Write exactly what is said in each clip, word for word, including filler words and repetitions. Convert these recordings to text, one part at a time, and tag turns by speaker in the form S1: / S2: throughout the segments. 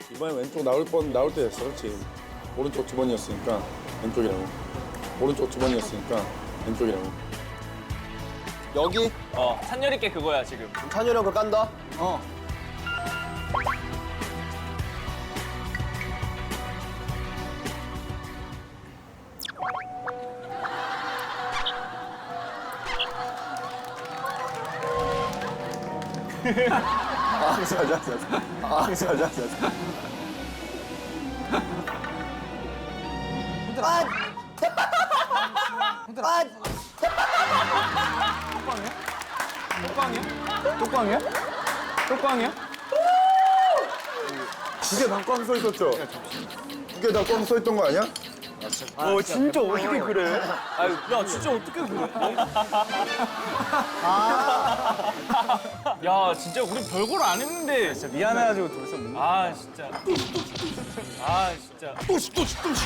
S1: 이번에 왼쪽 나올 뻔 나올 때 됐어, 그렇지? 오른쪽 두 번이었으니까 왼쪽이라고. 오른쪽 두 번이었으니까 왼쪽이라고.
S2: 여기
S3: 어, 찬열 있게 그거야, 지금.
S2: 찬열이 형 거 깐다.
S3: 어.
S2: 아, 자자, 자자. 아, 자자, 자자. 아! 아!
S3: 톡방이야? 톡방이야?
S1: 두 개 다 꽝 써 있었죠? 두 개 다 꽝 써 있던 거 아니야?
S3: 어, 진짜 어떻게 그래? 아유, 야, 진짜 어떻게 그래? 야, 진짜 우리 별걸 안 했는데. 진짜 미안해가지고 돌서 못. 아, 진짜. 아, 진짜.
S1: 또시 또시 또시.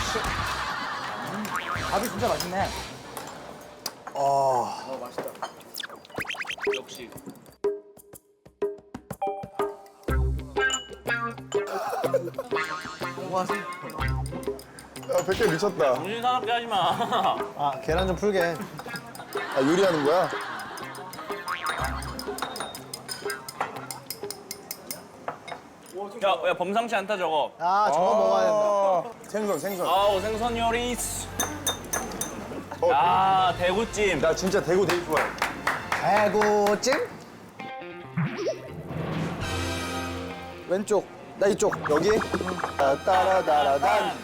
S3: 밥이 진짜 맛있네.
S2: 아,
S3: 역시.
S1: 야, 백 개 미쳤다.
S3: 정신 사납게 하지 마.
S2: 아, 계란 좀 풀게.
S1: 아, 요리하는 거야?
S3: 야, 야, 범상치 않다, 저거.
S2: 아, 저거 먹어야 된다.
S1: 된다. 생선, 생선.
S3: 아우, 생선 요리.
S1: 어,
S3: 아, 대구찜.
S1: 나 진짜 대구 되게 좋아해.
S2: 대구찜? 왼쪽. 나 이쪽. 여기. 따라다라단.